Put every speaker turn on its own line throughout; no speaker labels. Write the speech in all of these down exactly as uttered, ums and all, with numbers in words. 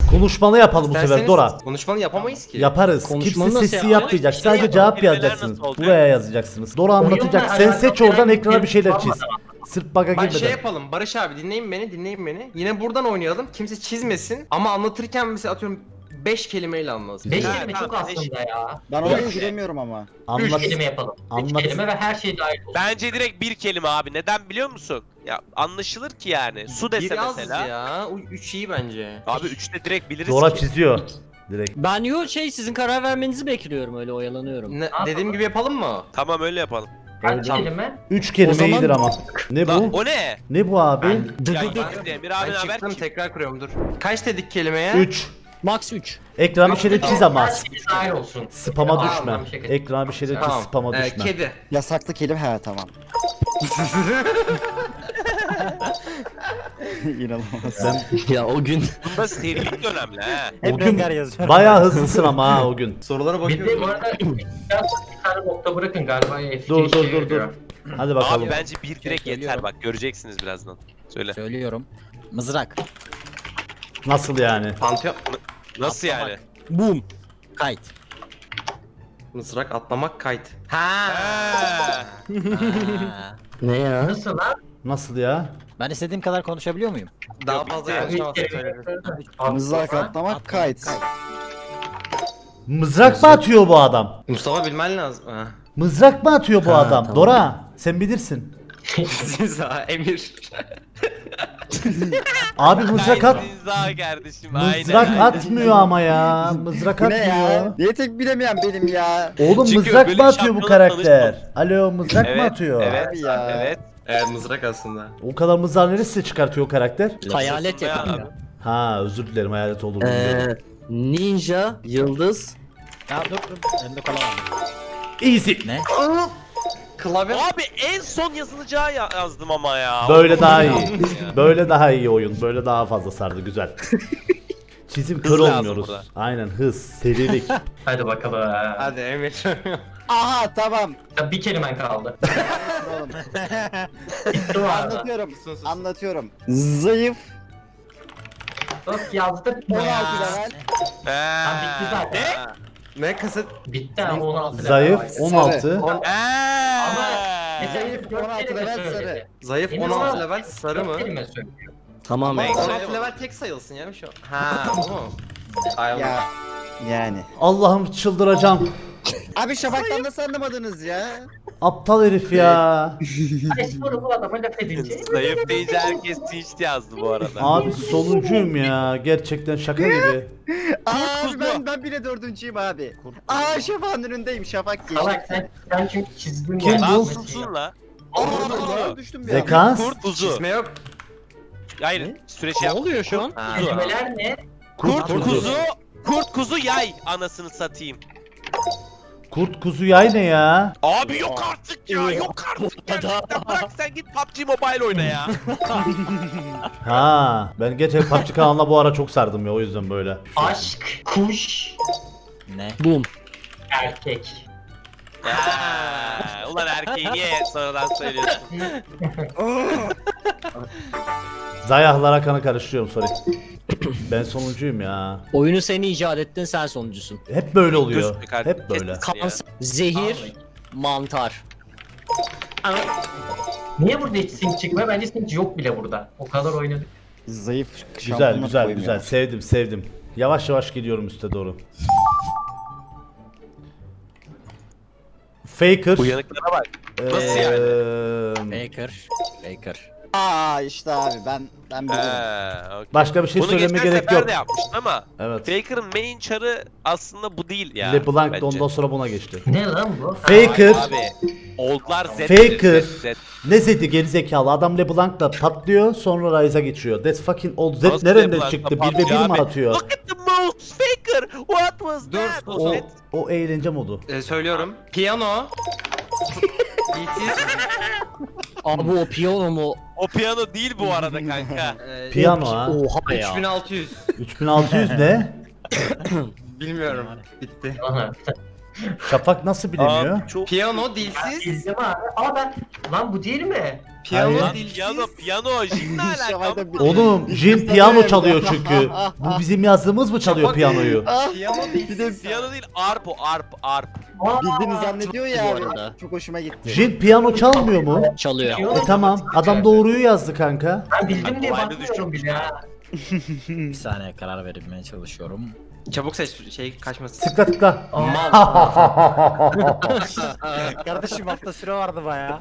Konuşmalı yapalım bu sefer
İsterseniz
Dora.
Konuşmalı yapamayız ki.
Yaparız.
Konuşmalı
Kimse
nasıl
sesi
yapacağız?
yapmayacak.
Şey
Sadece
yapalım,
cevap
kelimeler
yazacaksınız.
nasıl olacak?
Buraya yazacaksınız. Dora anlatacak. Sen seç oradan ekrana bir şeyler çiz. Sırf bug'a
Bak şey
girmeden.
yapalım Barış abi, dinleyin beni dinleyin beni. Yine buradan oynayalım. Kimse çizmesin ama anlatırken mesela atıyorum beş kelimeyle anlasın.
Beş
Ha,
kelime çok
tamam, beş.
aslında ya.
Ben oraya giremiyorum ama.
Üç
Anlat.
kelime yapalım. Üç
Anlat.
kelime ve her şey dahil olsun.
Bence direkt bir kelime abi. Neden biliyor musun? Ya anlaşılır ki yani. Su dese
Biraz
mesela.
ya. Üç iyi bence.
Abi üçte direkt biliriz
Dora
ki.
çiziyor. Direkt.
Ben yo şey sizin karar vermenizi bekliyorum, öyle oyalanıyorum.
Ne, dediğim gibi yapalım mı?
Tamam öyle yapalım.
Kaç kelime?
Üç kelime
O zaman-
iyidir ama. Ne
Lan
bu?
o ne?
Ne bu abi?
Dı
Ya
dı dı.
ben Emir abi
Ben
haber
çıktım
kim?
tekrar kuruyorum dur. Kaç dedik kelimeye?
Üç.
Max üç.
Ekrana bir şeyler çiz ama.
Her şey dahil olsun.
Spama
Aa,
düşme.
ben bir şey-
Ekrana bir şeyler çiz,
Tamam.
spama
Ee,
düşme.
kedi.
Yasaklı kelime he tamam. İnanılmaz.
Ben
Ya o gün.
Bunda serilik de önemli ha.
o gün bayağı hızlısın ama ha o gün.
Sorulara
Bir de bu
bakıyorum.
arada bir tane nokta bırakın galiba. F
Dur
işe
dur dur dur.
yarıyor.
Hadi bakalım.
Abi bence bir direkt yeter
söylüyorum.
bak göreceksiniz birazdan. Söyle.
Söylüyorum. Mızrak.
Nasıl yani?
Pantheon.
Nasıl yani?
Boom. Kayıt.
Mızrak, atlamak, kayıt. Ha.
Ha.
Ne ya?
Nasıl lan?
Nasıl ya?
Ben istediğim kadar konuşabiliyor muyum?
Daha fazla
Yani üç
konuşamazsın
kelime.
söyledim.
Mızrak atlamak kayıt.
Mızrak mı atıyor bu adam?
Mustafa bilmen lazım. Ha.
Mızrak mı atıyor bu
Ha,
adam?
tamam.
Dora sen bilirsin.
Siz ha Emir.
Abi mızrak at.
Zinza kardeşim
Mızrak
aynen.
atmıyor ama ya. Mızrak
Bu ne ya?
atmıyor.
Niye tek bilemeyen benim ya?
Oğlum
Çünkü
mızrak
böyle
mı
bir
atıyor bu
şampiyonla
karakter? Alo mızrak mı
Evet,
atıyor?
evet,
Abi ya.
evet.
Evet mızrak aslında.
O kadar mızrağı neresi çıkartıyor o karakter?
Hayalet
Ya
yapıyor.
abi.
Ha özür dilerim hayalet olduğunu bilmiyordum.
Ee, ninja, yıldız.
Ya dur dur. Elimde kola var.
Easy.
Ne?
Klavye.
Abi en son yazılacağı ya- yazdım ama ya.
Böyle daha iyi.
Ya.
Böyle daha iyi oyun. Böyle daha fazla sardı güzel. Çizim kör
Hız lazım
olmuyoruz.
burada.
Aynen hız, serilik.
Hadi bakalım.
Hadi Emir.
Aha tamam.
Ya bir kelimen kaldı.
Oğlum,
Bitti bu arada.
anlatıyorum.
Sus, sus.
Anlatıyorum. Zayıf.
Bak yazdık
on
mı
altı
ya?
level.
Tam bitti
Ha.
zaten.
Ne?
Ne kaset?
Bitti ama on altı level
Zayıf
var.
on altı.
On-
Ha.
Zayıf
on altı
kelime
level
söyledi.
sarı.
Zayıf
Emir
on altı
bana
level sarı mı?
dört kelime söylüyor.
Tamam.
on
Neyse.
altı level tek sayılsın ya şu. Ha bu mu? Ay
Ya yani.
Allah'ım çıldıracağım.
Abi Şafak'tan nasıl anlamadınız ya?
Aptal herif ya.
Ay sonra bu adama laf edince.
Zayıf deyince herkes tinçti yazdı bu arada.
Abi sonuncuyum ya. Gerçekten şaka gibi.
Abi ben ben bile dördüncüyüm abi. Aa Şafak'ın önündeyim. Şafak geçti.
Salak sen, sen çünkü çizdin
Kim
ya.
bu?
Lan susun la.
Aa düştüm bir an.
Zekans.
Kurt kuzu.
Çizme yok.
Hayır süreç
Ne
yap.
oluyor şu an?
Ha.
Kelimeler ne?
Kurt
Kurt
kuzu. Kurt kuzu yay anasını satayım.
Kurt kuzu yay ne ya?
Abi yok artık ya yok artık gerçekten bırak sen git P U B G Mobile oyna ya.
Ha, ben gerçekten P U B G kanalına bu ara çok sardım ya o yüzden böyle.
Aşk, kuş,
Ne? Boom.
erkek.
Ha, ulan erkeği niye sonradan söylüyorsun?
Zayahlara kanı karıştırıyorum sorry. Ben sonuncuyum ya.
Oyunu sen icat ettin, sen sonuncusun.
Hep böyle oluyor.
Gözlük kardeşim,
Hep böyle.
kesin. Ya.
Kanser, zehir, mantar.
Niye burada hiç sync çıkmıyor? Bence sync yok bile burada. O kadar oynadık.
Zayıf
Güzel
şampiyonluk
güzel
koymuyor.
güzel sevdim sevdim. Yavaş yavaş gidiyorum üste doğru. Faker.
Uyanıklara bak. Nasıl yani?
Eee,
Baker. Baker.
Aa işte abi ben ben bilirim.
Ha, okey.
Başka bir şey
Bunu
söyleme
geçen
gerek
sefer
yok.
de yapmıştın ama
Evet.
Faker'ın main çarı aslında bu değil ya.
LeBlanc
bence.
da ondan sonra buna geçti.
Ne lan bu?
Faker.
Abi oldlar Z.
Faker.
Z, Z.
Ne Zed'i gerizekalı adam LeBlanc'la patlıyor sonra Ryze'a geçiyor. That's fucking old Z
Nasıl
nereden
LeBlanc'la
çıktı? Bir ve
patlıyor
bir mi
abi?
atıyor?
Look at the moves Faker. What was
Dur,
that?
sus.
O,
Z.
o eğlence modu.
Ee, söylüyorum. Piyano. Beatis.
Abi o piyano mu?
O piyano değil bu arada kanka.
Ee,
Piyano ha.
Oha ya.
üç bin altı yüz.
üç bin altı yüz ne?
Bilmiyorum. Bitti.
Aha.
Şafak nasıl bilemiyor?
Abi çok
Piyano dilsiz.
Bildim abi. Aa ben lan bu değil mi?
Piyano
Hayır.
dilsiz.
piyano piyano jimle alakalı.
Oğlum Jin piyano çalıyor çünkü. Bu bizim yazdığımız mı çalıyor
Şafak-
piyanoyu?
Piyano dilsiz.
Piyano değil arp o arp arp.
Aa,
Bildiğini zannediyor ya
Bu
abi.
arada.
Çok hoşuma gitti.
Jin piyano çalmıyor mu?
Çalıyor.
E tamam. Adam doğruyu yazdı kanka.
Ben bildim diye
Kolaydı
bakmıyorum bile ha.
Bir saniye karar vermeye çalışıyorum.
Çabuk seç şey kaçmasın.
Tıkla tıkla.
Kardeşim altta süre vardı baya.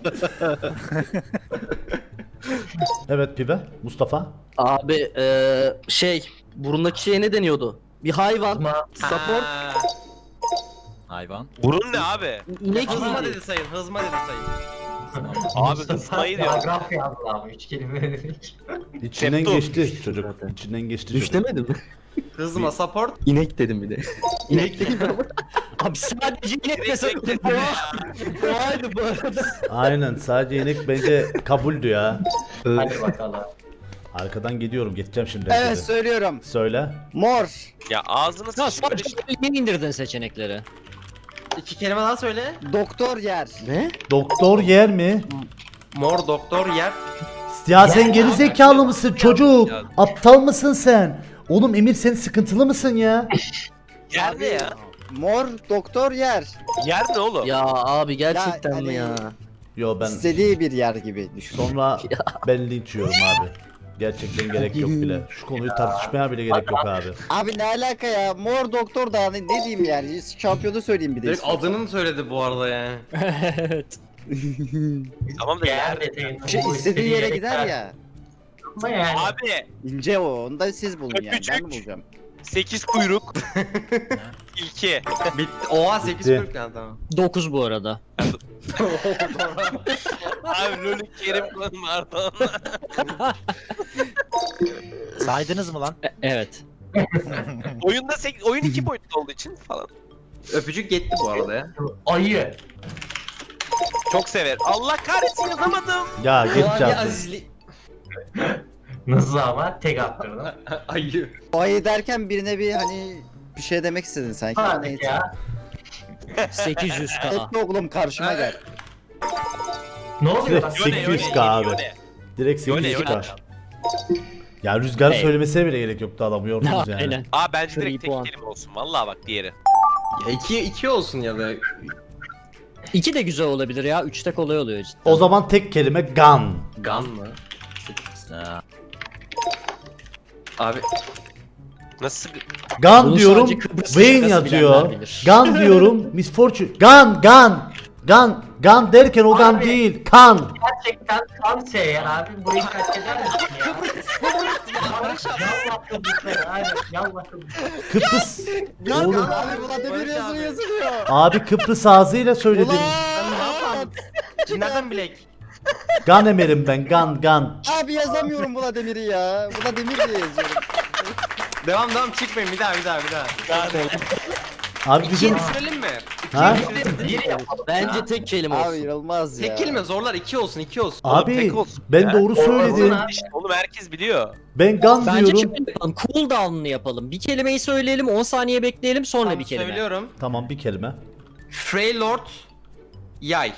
Evet pibe. Mustafa.
Abi eee şey burundaki şeye ne deniyordu? Bir hayvan.
Ama
Support.
Ha.
Hayvan.
Burun ne abi?
İnek
Hızma
miydi?
dedi sayın. Hızma dedi sayın.
Abi
Mustafa
hızmayı diyor.
paragraf yazdı abi. Üç kelime dedik.
İçinden
Septum.
geçti çocuk. İçinden geçti
Düş
çocuk.
demedim mi?
Hızma support.
İnek dedim bir de. İnek dedim ama.
Abi sadece inek
Direkt
desek
bekledim ya.
Doğaydı bu arada.
Aynen sadece inek bence kabuldü ya.
Hadi bakalım.
Arkadan gidiyorum geçeceğim şimdi.
Evet
herkese.
söylüyorum.
Söyle.
Mor.
Ya ağzını
Ya
sıçtı böyle
sadece niye indirdin seçenekleri?
İki kelime daha söyle.
Doktor yer.
Ne?
Doktor yer mi?
Mor doktor yer.
Ya sen geri zekalı mısın çocuk?
Ya.
Aptal mısın sen? Oğlum Emir sen sıkıntılı mısın ya?
Yer ne ya?
Mor doktor yer.
Yer ne oğlum?
Ya abi gerçekten
Ya,
mi
hani-
ya?
Yo ben
İstediği bir yer gibi düşün.
sonra ben linç yiyorum abi. Gerçekten gerek yok bile. Şu konuyu tartışmaya bile gerek yok abi.
Abi ne alaka ya? Mor doktor da hani ne diyeyim yani? Şampiyonu söyleyeyim bir de.
Direkt
istiyorsan.
adını mı söyledi bu arada yani?
Evet.
Tamam da yer.
Yer detayını.
Şey, istediği yere gider ya.
Ama yani.
Abi
İnce o. Onu da siz bulun yani. Ben
Öpücük.
mi bulacağım?
sekiz kuyruk. İlki.
Bitti. Oha sekiz
Bitti.
kırk yani tamam.
dokuz bu arada.
Abi rolü Kerim Pardon.
Saydınız mı lan?
E- evet.
Oyunda sek- oyun iki boyutlu olduğu için falan.
Öpücük yetti bu arada ya.
Ayı.
Çok sever. Allah kahretsin yazamadım.
Ya geç
Doğan
artık.
Azizli.
Nasıl ama tek attırdım.
Ayı.
Ayı derken birine bir hani bir şey demek istedin sanki.
Hadi
Neyse.
ya.
sekiz yüz K.
Etme oğlum karşıma gel.
Ne oluyor
Direkt
lan?
sekiz yüz K abi. Direkt
Yone,
sekiz yüz K.
Yone.
Ya Rüzgar'ın
Hey.
söylemesine bile gerek yoktu adamı yordunuz yani.
Aynen.
Aa bence direkt
Three
tek
puan.
kelime olsun. Vallahi bak diğeri.
Ya iki, iki olsun ya da.
İki de güzel olabilir ya. Üçte kolay oluyor cidden.
O zaman tek kelime gun.
Gun mı?
Ha.
Abi
Nasıl?
Gun
Bunu
diyorum,
sadece Kıbrıs
Wayne
şakası
yazıyor.
bilenler bilir.
Gun diyorum, Miss Fortune. Gun, gun. Gun, gun derken o gun
Abi.
değil, kan.
Gerçekten tam şey ya abi. Burayı kaç eder misin ya? Yallah Kıbrıs'ı. Aynen. Yallah Kıbrıs'ı.
Kıbrıs. Oğlum.
Abi buna demir yazılı yazılıyor.
Abi Kıbrıs ağzıyla söyledim.
Ulan!
nereden bilek?
Gun emerim ben, gun, gun.
Abi yazamıyorum buna demiri ya. Buna demir diye yazıyorum.
Devam devam çıkmayın bir daha bir daha bir daha.
Abi
İkiye
bizim...
düşürelim mi?
Ha?
Bir yapalım.
Bence tek kelime
Abi
olsun.
inanılmaz ya.
Tek kelime zorlar iki olsun iki olsun.
Oğlum,
Abi
tek olsun
ben
ya.
doğru söyledim.
Olsun
İşte oğlum herkes biliyor.
Ben gun
Bence
diyorum.
şöyle yapalım. Cool down'ını yapalım. Bir kelimeyi söyleyelim, on saniye bekleyelim, sonra
Tamam,
bir kelime.
söylüyorum.
Tamam bir kelime.
Freylord yay.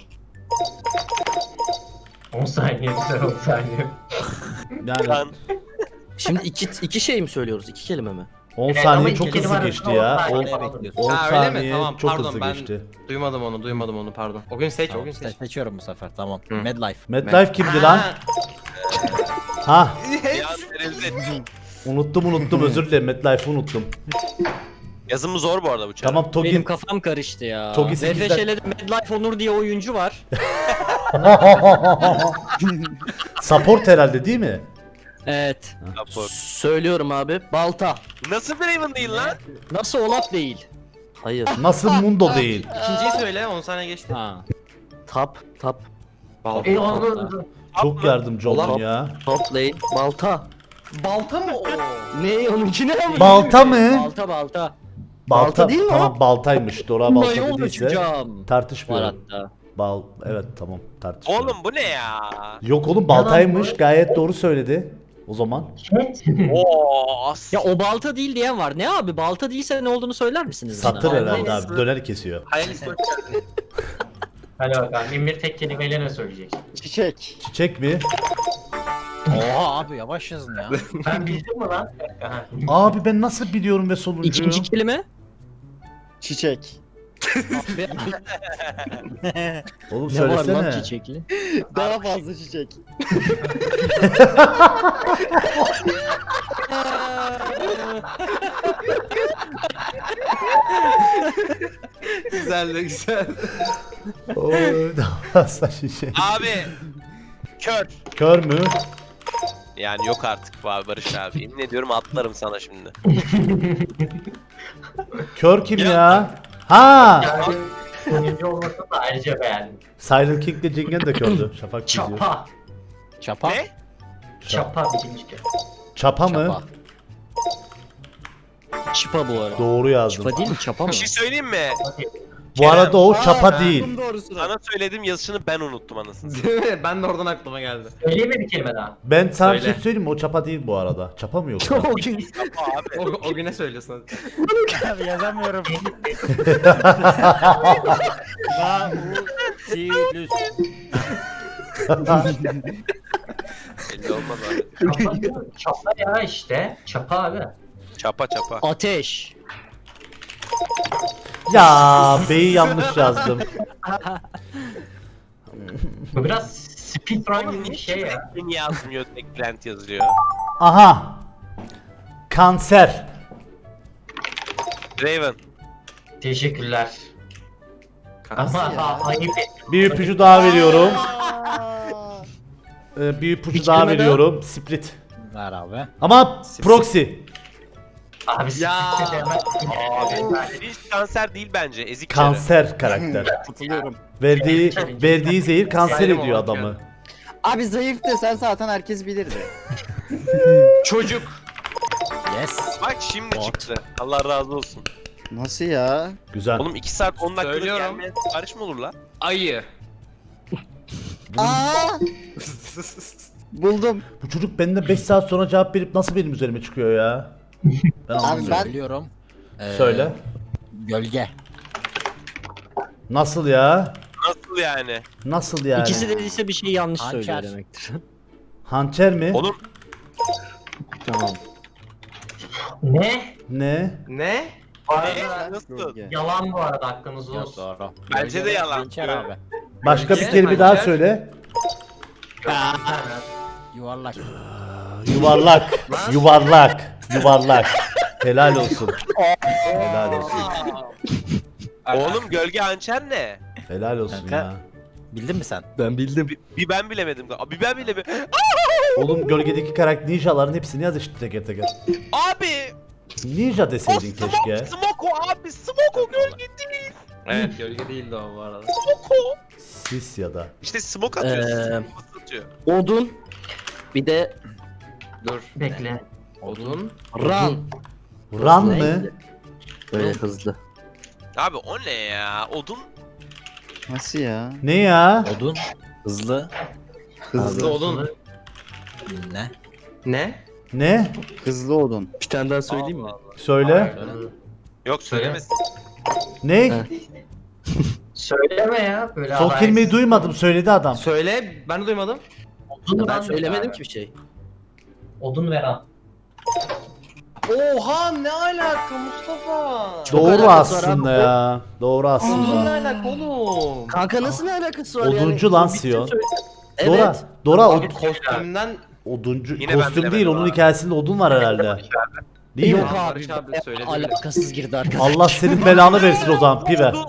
on saniye güzel on saniye.
Yani
Lan.
Şimdi iki, iki şey mi söylüyoruz? İki kelime mi?
on
Evet,
saniye
ama
çok
iki
hızlı
kelime
geçti
arasında
ya.
on
on
saniye bekliyorsun.
on
Ha, öyle mi?
saniye
Tamam,
çok
pardon,
hızlı
ben-
geçti.
Duymadım onu duymadım onu pardon. O gün seç o gün seç.
Se- seçiyorum bu sefer tamam.
Hı.
Medlife.
MetLife kimdi lan? Ha,
Bir an tereddüt ettim.
unuttum unuttum özür dilerim. MetLife'ı unuttum.
Yazımı zor bu arada bu çağ.
Tamam
Benim
Togi.
kafam karıştı ya.
Togi sekizden
V F Ş'de Medlife Onur diye oyuncu var.
Support herhalde değil mi?
Evet.
Rapor.
Söylüyorum abi. Balta.
Nasıl Draven değil lan?
Nasıl Olaf değil?
Hayır.
Nasıl Mundo değil?
İkinciyi söyle on saniye geçti.
Ha.
Tap. Tap.
Balta.
E onu
Çok yardımcı oldun
Olaf-
ya.
Top lane. Balta.
Balta mı o?
Ne onunki ne?
Balta mı?
Balta balta.
Balta,
Balta değil mi o?
tamam baltaymış. Dora balta
Mayol
dediyse
uçacağım. Var
tartışmıyorum.
hatta.
Bal evet tamam tartışmıyorum.
Oğlum bu ne ya?
Yok oğlum baltaymış gayet doğru söyledi. o zaman?
Cat.
Oo as.
Ya o balta değil diyen var. Ne abi balta değilse ne olduğunu söyler misiniz bana?
Satır herhalde
Vallahi
abi. Döner kesiyor.
Hayal istiyorum.
Hadi bakalım. Emir tek kelimeyle ne söyleyecek?
Çiçek.
Çiçek mi?
Oha abi yavaş yazın ya.
Ben bildim mi lan? Aha.
Abi ben nasıl biliyorum ve sonuncuyum?
İkinci kelime?
Çiçek.
Abi,
Oğlum
ne var lan
söylesene.
çiçekli?
Daha fazla çiçek.
Güzel de güzel.
Oy, daha fazla şişe.
Abi. Kör.
Kör mü?
Yani yok artık bu abi Barış abi. Yemin ediyorum atlarım sana şimdi.
Kör kim
Ya.
ya? Ha!
Yani sonuncu olmasını da ayrıca beğendim.
Silent King de Cingen de kördü. Şafak çiziyor.
Çapa.
Çapa.
Ne?
Çapa birinci kez.
Çapa mı?
Çapa.
Çıpa bu arada.
Doğru yazdım.
Çıpa değil mi? Çapa mı?
Bir şey söyleyeyim mi?
Bu arada o çapa
Aa,
değil.
buldum doğrusunu.
Sana söyledim yazışını ben unuttum anasını.
Değil mi? Ben de oradan aklıma geldi.
Söyleyeyim mi bir kelime daha?
Ben sana bir şey
Söyle.
söyleyeyim mi? O çapa değil bu arada. Çapa mı yoksa?
Abi.
O, o güne söylüyorsun hadi.
Abi yazamıyorum. Nautilus.
Belli olmaz abi.
Çapa, değil mi? Çapa ya işte. Çapa abi.
Çapa çapa.
Ateş.
Ya B'yi yanlış yazdım.
Bu biraz speedrun gibi bir şey ya.
Niye yazmıyor? Eklent yazıyor.
Aha. Kanser.
Raven.
Teşekkürler.
Nasıl
Ama
ya?
ha, ayıp.
Bir ipucu daha veriyorum. Ee, bir ipucu
Bir
daha
kelime daha.
veriyorum. Split.
Ver abi.
Ama proxy.
Abi
Ya.
siktir demez.
Abi hiç kanser değil bence. Ezik çare.
Kanser karakter.
Katılıyorum.
Verdiği verdiği zehir kanser
Saydım
ediyor
ama
adamı.
Abi zayıf desen zaten herkes bilirdi.
Çocuk.
Yes.
Bak şimdi çıktı. Allah razı olsun.
Nasıl ya?
Güzel.
Oğlum iki saat on dakikada
Söylüyorum.
gelmeyen sipariş mi olur lan?
Ayı.
Aa! Buldum.
Bu çocuk benden beş saat sonra cevap verip nasıl benim üzerime çıkıyor ya? Ben anlamıyorum.
ben-
Biliyorum. Ee,
Söyle.
Gölge.
Nasıl ya?
Nasıl yani?
Nasıl yani?
İkisi dediyse bir şey yanlış
Hançer.
söylüyor demektir.
Hançer mi?
Oğlum
Tamam.
Ne?
Ne?
Ne?
Bu
ne?
arada
Nasıl?
Gölge.
yalan bu arada aklınızda
Yok
olsun.
doğru.
Bence de yalan.
Hançer abi.
Başka bir
Gölge,
kelime daha
hançer.
söyle.
Yuvarlak.
Yuvarlak. Yuvarlak. Yuvarlak. Helal olsun. Helal olsun.
Oğlum gölge hançer ne?
Helal olsun
Kanka.
ya.
Bildin mi sen?
Ben bildim.
Bir, bir ben bilemedim. Bir ben bilemedim.
Oğlum gölgedeki karakter ninjaların hepsini yaz işte teker teker.
Abi!
Ninja
O
deseydin
smoke,
keşke.
smoke o abi. Smoke o gölge değil.
Evet gölge değildi o bu arada.
Smoke o.
Sis ya da.
İşte smoke atıyor.
Ee,
Smoke atıyor.
Odun. Bir de
Dur.
Bekle.
Odun.
Ran.
Ran
Hızlı
mı?
neydi? Böyle hızlı.
Abi o ne ya? Odun.
Nasıl ya?
Ne ya?
Odun. Hızlı.
Hızlı odun.
Ne?
Ne?
Ne?
Hızlı odun.
Bir tane daha söyleyeyim mi?
Söyle.
Yok söylemesin.
Ne?
Ha.
Söyleme ya. Böyle
Son
haber-
kelimeyi duymadım. Söyledi adam.
Söyle. Ben de duymadım.
Odun
Ben
lan
söylemedim
abi.
ki bir şey.
Odun veren.
Oha ne alaka Mustafa?
Doğru
alakası var
aslında
abi.
ya. Doğru
Odun ne
aslında.
alaka oğlum?
Kanka nasıl ne alakası var
Oduncu
yani?
lan
Bir
Sio.
söyle-
Dora.
Evet.
Dora
Abi
od-
kostümünden
oduncu
Yine ben
kostüm değil.
bilemedim
Onun
abi.
hikayesinde odun var herhalde. Değil mi?
Yok abi.
Barış abi söyledi bile.
Alakasız girdi arkadaşlar.
Allah senin belanı versin o zaman pive.
Odun.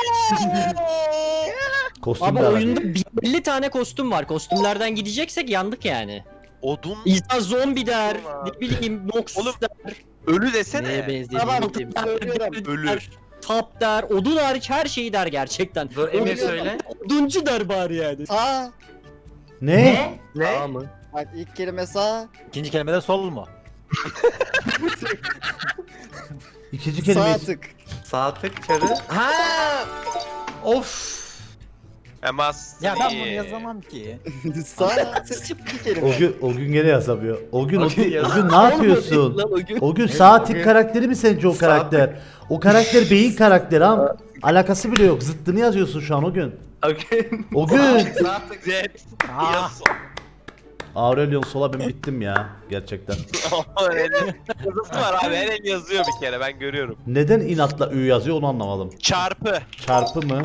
Kostüm
Abi
de var.
oyunda elli tane kostüm var. Kostümlerden gideceksek yandık yani.
Odun.
İnsan zombi der,
Tamam.
ne bileyim Nox
Oğlum,
der,
Ölü
Neye
desene.
benzediğini
Söylüyorum.
Ölü.
der, tap der, odun hariç her şeyi der gerçekten.
Dur Emir söyle.
Oduncu der bari yani.
Sağ.
Ne?
Ne?
mı?
Bak ilk kelime sağ.
İkinci kelimede sol mu?
İkinci kelime.
Sağ tık.
Sağ tık çarı. Ha! Of!
Emas.
Ya ben bunu yazamam ki.
Sağ bir kelime.
O gün, o gün gene yazamıyor. O gün, o
O gün
gün, o
yaz-
gün ne yapıyorsun?
Lan o gün.
O gün sağ tik karakteri mi sence o karakter? O karakter beyin karakteri ama alakası bile yok. Zıttını yazıyorsun şu an o gün.
Okey.
O gün.
Rahatlık.
Zed.
Aa.
Yazı.
Aurelion Sol'a ben bittim ya gerçekten.
Yazısı var abi. Her el yazıyor bir kere ben görüyorum.
Neden inatla Ü yazıyor onu anlamadım.
Çarpı.
Çarpı mı?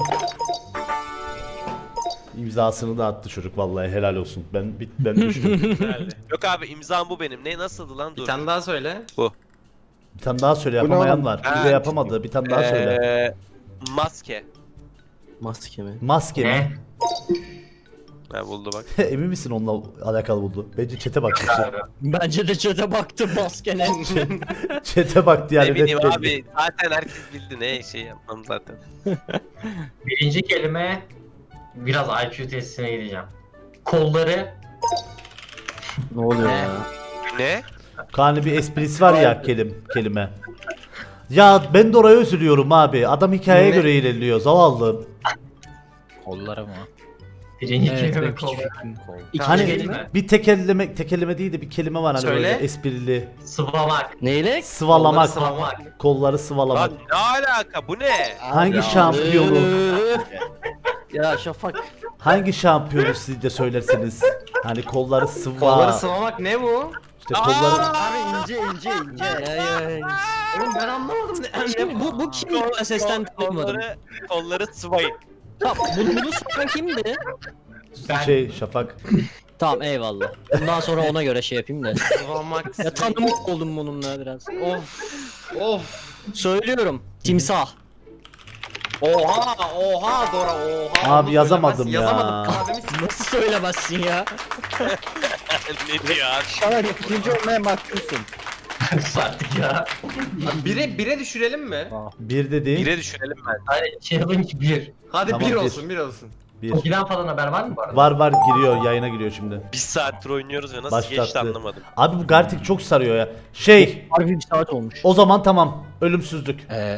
İmzasını da attı çocuk vallahi helal olsun. Ben bit ben düştüm.
Herhalde. Yok abi imzam bu benim. Ne nasıldı lan
Bir
dur.
tane daha söyle.
Bir tane daha söyle
Bu ne
yapamayan
oğlum?
var. Bir de
Evet.
yapamadı. Bir tane daha söyle.
Ee, maske.
Maske mi?
Maske mi?
Ne?
Ha buldu bak.
Emin misin onunla alakalı buldu? Bence çete bak.
Abi.
Bence de çöte baktım maskene.
Çete baktı yani.
ne bileyim
net belli.
abi. Zaten herkes bildi ne şey yapmam zaten.
Birinci kelime biraz I Q testine gideceğim. Kolları
Ne oluyor
Ne?
ya?
Ne?
Kaan'ın bir esprisi var ya kelim, kelime. Ya ben de oraya üzülüyorum abi. Adam hikayeye
Ne?
göre ilerliyor. Zavallı.
Kolları mı?
birinci
Evet,
kelime
benim
kolları.
Kol.
İkinci
Hani
kelime.
bir tekerleme, tekerleme değil de bir kelime var hani
Söyle.
böyle esprili.
Sıvamak.
Neyle?
Sıvalamak.
Sıvamak.
Kolları sıvalamak.
Lan ne alaka bu ne?
Hangi
Ya,
şampiyonu,
Üf. Ya Şafak.
hangi şampiyonu sizce söylersiniz? Hani kolları sıva.
Kolları sıvamak ne bu?
İşte kolları...
Abi ince ince ince.
Ya ya.
Oğlum ben anlamadım. Ne,
Şimdi bu, bu kim? Ben sesten tanımadım.
Kolları, kolları sıvayın.
Tamam bunu, bunu soran kimdi?
Ben-
Şey Şafak.
Tamam eyvallah. Bundan sonra ona göre şey yapayım da.
Sıvamak.
Ya tanımış oldum bununla biraz.
Of. Of.
Söylüyorum. Timsah.
Oha, oha Dora, oha.
Abi
Onu
yazamadım
söylemez-
ya.
Yazamadım. Kahvemi
Nasıl söylemezsin ya?
ne diyor abi?
Şahan ikinci olmaya mahkumsun.
Artık ya.
Bire, bire düşürelim mi?
Bir de değil.
Bire düşürelim ben.
Hayır challenge bir.
Hadi
Tamam,
bir
bir.
olsun, bir olsun.
Bir.
Tokiden falan haber var mı bu arada?
Var var giriyor yayına giriyor şimdi.
Bir saattir oynuyoruz ve nasıl
Başlattı.
geçti anlamadım.
Abi bu Gartic çok sarıyor ya. Şey
Harbi bir saat olmuş.
o zaman tamam. Ölümsüzlük.
Ee,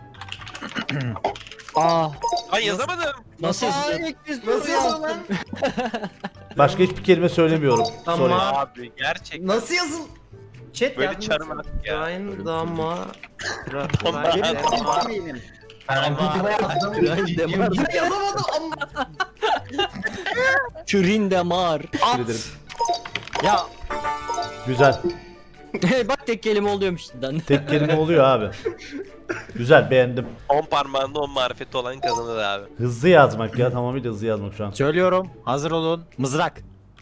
Aa.
Ay yazamadım.
Nasıl yazılıyor?
Nasıl yazılır lan?
Başka hiçbir kelime söylemiyorum.
Tamam.
Sorry.
Abi gerçekten.
Nasıl yazıl? Chat
Böyle
yardım
çarım
etsin.
artık ya.
Ryan Dama.
Dama.
Ryan Dama.
Eminim.
Ben Google'a yazdım.
Yine yazamadım ama.
Kürin damar.
Teşekkür ederim.
ya
Güzel.
Bak tek kelime oluyormuş şimdiden.
Tek kelime oluyor abi. Güzel beğendim.
On parmağında on marifeti olan kazanır abi.
Hızlı yazmak ya tamamıyla hızlı yazmak şu an.
söylüyorum. Hazır olun. Mızrak.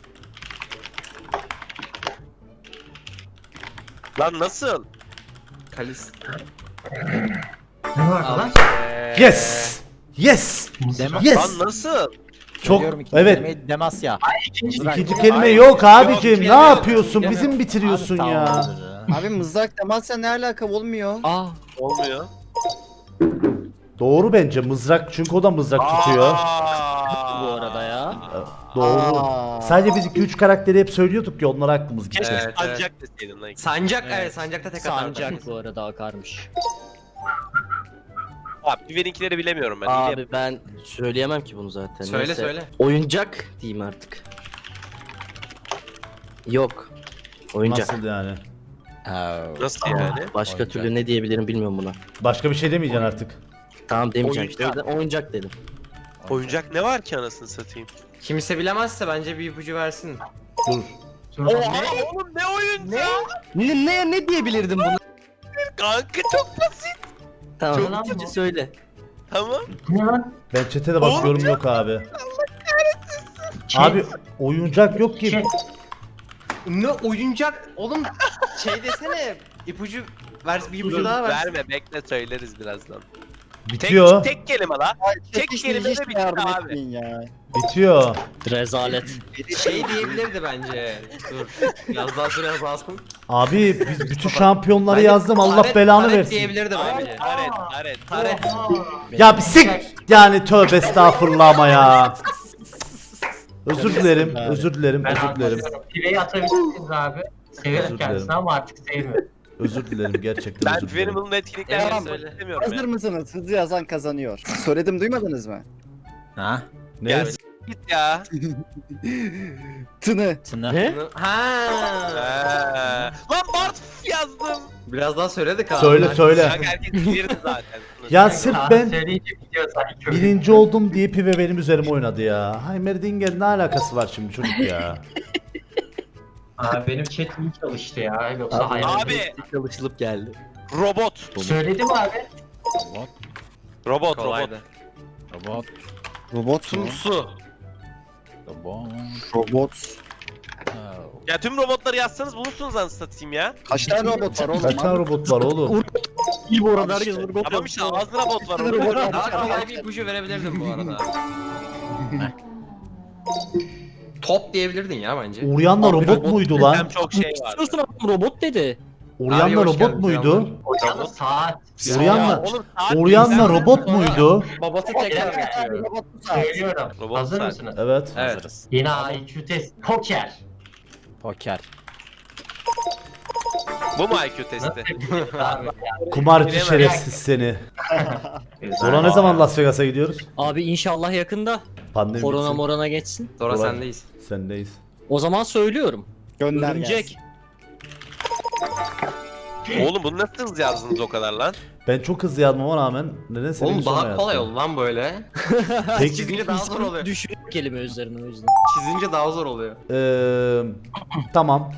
Lan nasıl?
Kalis.
Ne var lan?
Yes! Yes!
Dema.
Yes!
Lan nasıl?
Çok
Söylüyorum ikinci
evet.
kelimeyi Demasya.
İkinci
Mızrak.
kelime
Hayır,
yok
yok,
abicim.
kelime
Ne
yok,
yapıyorsun?
kelime
Bizi mi bitiriyorsun
Abi,
ya?
tamamdır.
Abi mızrak temasla ne alaka olmuyor?
Aa.
Olmuyor.
Doğru bence mızrak çünkü o da mızrak tutuyor.
Aa.
Bu arada ya.
Doğru.
Aa.
Sadece biz iki üç karakteri hep söylüyorduk ya onlar aklımız gitti.
Keşke
Evet,
sancak deseydin lan.
Sancak, evet,
Evet.
sancakta tek atardı.
Sancak bu arada akarmış.
Abi Piven'inkileri bilemiyorum ben. Abi.
Abi ben söyleyemem ki bunu zaten.
Söyle,
Neyse.
söyle.
Oyuncak diyeyim artık. Yok. Oyuncak.
Nasıl yani?
Oh.
Nasıl yani?
Başka
Oyuncak.
türlü ne diyebilirim bilmiyorum buna.
Başka bir şey demeyeceksin artık.
Tamam demeyeceğim işte. O
Oyuncak.
yüzden oyuncak dedim.
Oyuncak ne var ki anasını satayım?
Kimse bilemezse bence bir ipucu versin.
Dur.
Oha oğlum ne oyuncağı?
Ne ne, ne diyebilirdim buna?
Kanka çok basit.
Tamam.
Çok lan
ikinci
bu.
söyle.
Tamam.
Ne lan?
Ben chat'e de bakıyorum yok abi. Abi oyuncak yok ki.
Şey,
Ne oyuncak? Oğlum şey desene. İpucu ver, bir ipucu
Dur,
daha ver.
verme bekle söyleriz birazdan.
Bitiyor.
Tek, tek kelime la. Tek
Hiç-
kelime
hiç
de bitti
yardım
abi.
etmeyin ya.
Bitiyor.
Rezalet.
Şey diyebilirdi bence. Dur. Biraz daha süre lazım.
Abi biz bütün şampiyonları
Bence
yazdım Allah
Taret-
belanı
Taret
versin.
diyebilirdi bence.
Taret, taret.
Taret.
Ya bir sik yani tövbe estağfurullah ama ya. Özür dilerim, özür dilerim,
ben
özür dilerim.
anlatıyorum. Piveyi atabilirsiniz abi.
Özür
Severim
dilerim.
kendisini ama artık sevmiyorum.
Özür dilerim gerçekten
Ben
özür dilerim.
Piven'in bunun etkinliklerini
Evet,
söylemek
söyle.
istemiyorum
Hazır
ya.
mısınız? Hızlı yazan kazanıyor. Söyledim duymadınız mı?
Ha?
Ne?
Ya git ya.
Tını.
Tına.
Ne?
Ha.
Ha. Lan Bart yazdım.
Biraz daha söyledik abi.
Söyle söyle.
Kanka herkes bilirdi zaten.
Ya sırf ben
Söyleyince biliyor sanki.
birinci oldum diye Pive benim üzerime oynadı ya. Heimerdinger ne alakası var şimdi çocuk ya?
Abi benim chat iyi çalıştı ya. Yoksa hayal.
Abi
Çalışılıp geldi.
robot.
Söyledim abi.
Robot.
Robot robot.
Kolaydı.
Robot.
Robot mu?
Tumsu.
Robot.
Robot.
Oh.
Ya tüm robotları yazsanız bulursunuz anasını satayım ya.
Kaç tane robot var oğlum?
Kaç tane robot var oğlum?
İyi bu arada herkes robot
Tamam işte ağzına robot var.
Robot.
orada.
Daha kolay bir ipucu verebilirdim bu arada. Top diyebilirdin ya bence.
Uryan'la robot muydu
Hem
lan?
çok şey var.
Diyorsun adam robot dedi.
Abi,
Uryan'la
hoş
robot
geldin,
muydu?
Hocam saat.
Uryan'la
Ya oğlum, saat
Uryan'la
değil,
robot muydu?
Babası tekrar geçiyor.
Robot mu saat?
Söylüyorum.
Robot
Hazır
saat.
mısınız?
Evet.
Evet.
Hazırız.
Yine I Q test. Poker.
Poker.
Bu mu I Q testi?
Abi.
Kumarcı
Bilemem.
şerefsiz seni.
Güzel.
Dora ne zaman Las Vegas'a gidiyoruz?
Abi inşallah yakında.
Pandemi
Korona
bitsin.
morona geçsin.
Sonra
Kolay.
sendeyiz.
Sendeyiz.
O zaman söylüyorum.
Gönder
Örümcek.
gelsin.
Oğlum bunu nasıl hızlı yazdınız o kadar lan?
Ben çok hızlı yazmama rağmen neden senin
Oğlum
sonra
daha kolay
yazdım?
oldu lan böyle.
Peki,
Çizince daha zor oluyor.
Düşünüyor kelime üzerine o yüzden.
Çizince daha zor oluyor.
eee, tamam.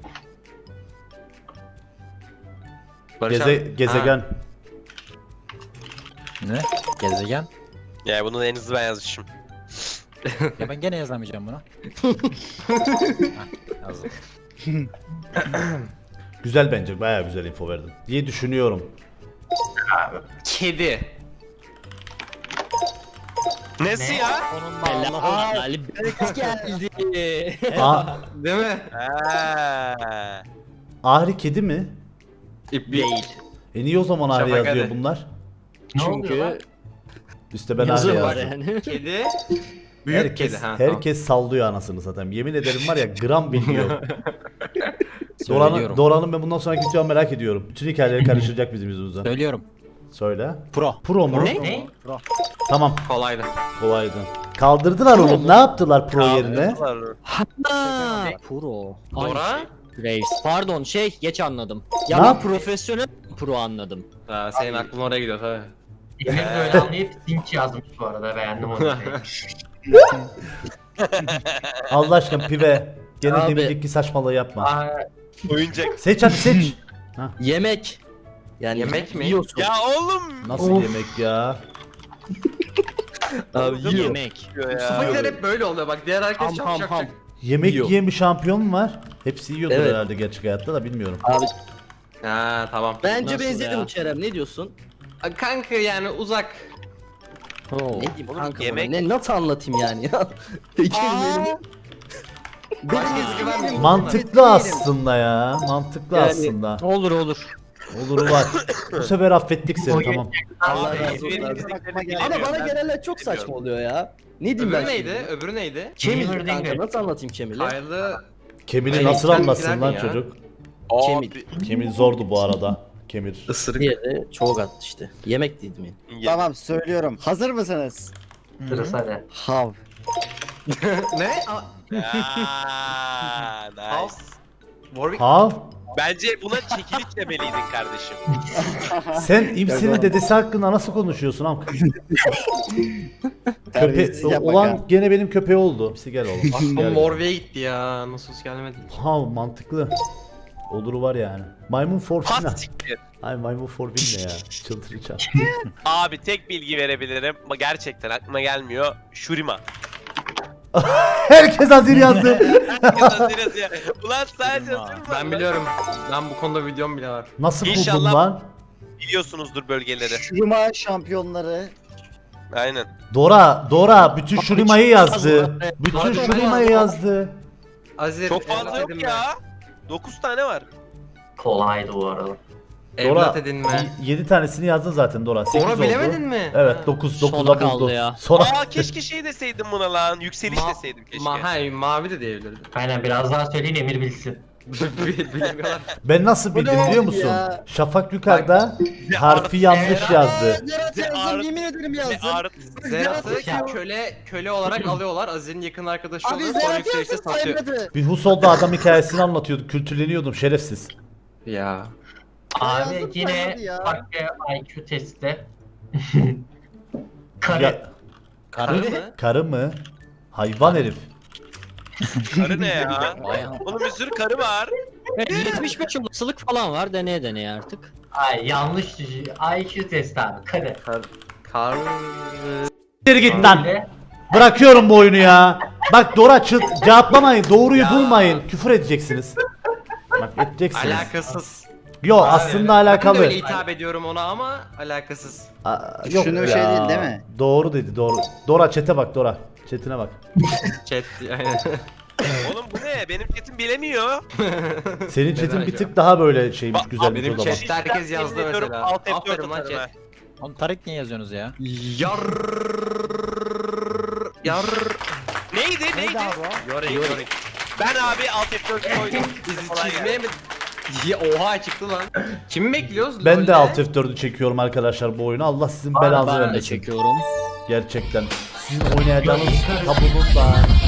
Barış
Geze,
abi.
gezegen.
Ne? Gezegen.
Ya bunu en hızlı ben yazmışım.
Ya ben gene yazamayacağım bunu. Heh, yazdım.
Güzel bence. Bayağı güzel info verdin. Diye düşünüyorum.
Ha. Kedi.
Nesi ya?
Allah Ali geldi.
A
Değil mi?
Ha.
Ahri kedi mi?
İp
Değil.
E niye o zaman Ahri
Şafak
yazıyor
hadi.
bunlar?
Ne oluyor lan?
Çünkü
İşte ben Ahri
yazı var
yazdım.
yani.
Kedi. Büyük
Herkes,
kedi. Ha,
herkes sallıyor anasını satayım. Yemin ederim var ya gram bilmiyor. Doran'ın,
Söylüyorum.
Doran'ın ben bundan sonraki videomu merak ediyorum. Bütün hikayeleri karıştıracak bizim yüzümüzden.
Söylüyorum.
Söyle.
Pro.
Pro mu?
Ne?
Ne?
Tamam,
tamam. Kolaydı.
kolaydı. Kaldırdılar oğlum. Ne yaptılar pro yerine?
Ha, pro.
Dora.
Graves. Pardon şey geç anladım.
Ne
Ya ben
yap-
profesyonel pro anladım.
Ha, senin aklın oraya gidiyor tabii.
Emir böyle anlayıp Sink yazmış bu arada. Beğendim onu.
Allah aşkına pive. Gene
Abi.
deminceki saçmalığı yapma.
Aa,
Oyuncak.
Seç hadi seç.
Yemek. Yani
Yemek mi?
Yiyorsun.
Ya oğlum.
Nasıl
Of.
yemek ya?
Abi yiyor.
Yemek.
Ya.
Mustafakiler hep böyle oluyor bak. Diğer herkes
Ham
çok
ham
çok
ham.
çok.
Yemek
Yiyor.
yiyen bir şampiyon mu var? Hepsi yiyordur
Evet.
herhalde gerçek hayatta da bilmiyorum.
Abi
Ha tamam.
bence
Nasıl
benzedim
ya?
Kerem, ne diyorsun?
Kanka yani uzak.
Oo.
Ne diyeyim
Oğlum,
kanka
yemek-
bana? Ne, nasıl anlatayım yani ya? Peki benim.
Başka ezgi vermiyor.
Mantıklı aslında ya. Mantıklı
Yani-
aslında.
Olur olur.
Olur var. Bu sefer affettik seni tamam.
Allah
Abi,
razı
ezberim
olsun.
bildiklerini
Ama
bilemiyorum
bana
ben.
gelenler çok saçma
Bilmiyorum.
oluyor ya. Ne diyeyim
Öbürü
ben
neydi?
şimdi?
Öbürü neydi?
Kemil
Gamer
kanka,
Dinger.
nasıl anlatayım Kemil'i?
Kaylı.
Kemil'i
Ay,
nasıl
sen
anlatsın lan
bilerdin ya.
çocuk?
Kemil.
Abi.
Kemil zordu bu arada. Kemir.
Isırık.
Diğeri çok attı işte. Yemek dedim mi?
Ya.
Tamam söylüyorum. Hazır mısınız?
sırası hadi.
Hav.
Ne? Aa,
Ya, nice.
Warwick.
Hav.
Bence buna çekilik demeliydin kardeşim.
Sen İmsi'nin dedesi hakkında nasıl konuşuyorsun am? Köpe
Terbiyesizlik yapma
olan
kanka.
gene benim köpeği oldu. İmsi gel oğlum.
Aklım
Gel.
Morve'ye gitti ya. Nasıl gelmedi?
Hav mantıklı. Oluru var yani. Maymun Forfin.
Pas siktir.
Ay maymun Forfin ne ya? Çıldıracağım.
Abi tek bilgi verebilirim ama gerçekten aklıma gelmiyor. Shurima.
Herkes hazır yazdı.
Yazıyoruz ya. Ulan sadece
Shurima.
Shurima.
Ben biliyorum. Ben bu konuda videom bile var.
Nasıl buldun
İnşallah-
lan?
Biliyorsunuzdur bölgeleri.
Şuruma şampiyonları.
Aynen.
Dora, Dora bütün Şurima'yı yazdı. Bütün
Dora
Şurima'yı yazdı.
Azir.
Çok fazla
evlat
yok
edinme.
ya. dokuz tane var.
Kolaydı bu arada.
Dora
Evlat edinme.
yedi tanesini yazdın zaten Dora. sekiz
Dora
oldu.
bilemedin mi?
Evet
Ha.
dokuz
Sona
dokuza
kaldı
buldu.
ya.
Sonra
Aa keşke şey deseydim buna lan. Yükseliş
Ma-
deseydim keşke.
Ma hayır, mavi de diyebilirdim.
Aynen biraz daha söyleyin Emir bilsin.
Bilmiyorlar.
ben nasıl
Bu ne
bildim biliyor
oldu
musun?
ya?
Şafak yukarıda harfi yanlış yazdı.
Berat Zerat yazdım
ağrı-
yemin ederim
Ne
yazdım.
ağrı.
Zerat'ı
Ya.
köle köle olarak alıyorlar. Azir'in yakın arkadaşı
Abi
oluyor. Sonra
Zerat
yükselişte
yazdım
satıyor.
saymadı.
Bir Husol'da adam hikayesini anlatıyorduk. Kültürleniyordum şerefsiz.
Ya.
Abi
yazdım
yine
saymadı ya.
farklı I Q testi. Kare.
Ya,
Karı mı?
karı mı? Hayvan herif.
Karı ne ya?
Vay anam.
Oğlum bir sürü karı var.
Evet, yetmiş beş olasılık falan var. Deneye deneye artık.
Ay yanlış I Q testi abi. Kare.
Kar... Kar...
Geri git lan.
Öyle.
Bırakıyorum bu oyunu ya. Bak Dora çı- cevaplamayın. Doğruyu bulmayın. Küfür edeceksiniz. Bak edeceksiniz.
Alakasız.
Yo aslında
Ben de
alakalı.
öyle hitap ediyorum ona ama alakasız.
Aa, yok
Şunu
ya.
şey değil, değil mi?
Doğru dedi doğru. Dora çete bak Dora. Chatine bak.
Chat aynen.
Oğlum bu ne? Benim chatim bilemiyor.
Senin chatin
Neden
bir
ya?
tık daha böyle şeymiş
Bak,
güzelmiş
benim
o zaman.
chat- Herkes yazdı
Yemin ediyorum,
mesela.
Alt F dört
Aferin lan
atarım
chat.
ha.
Oğlum Tarık niye yazıyorsunuz ya?
Yar... Yar...
Neydi neydi?
Yore yore.
Ben abi Alt F dört koydum.
Bizi
Kolay
çizmeye mi... Ya, oha çıktı lan. Kimi bekliyoruz?
Ben de
LoL'de?
Alt F dördü çekiyorum arkadaşlar bu oyunu. Allah sizin belanızı
Ben de
vermesin.
çekiyorum.
Gerçekten. Sizin oynayacağınız tablonun da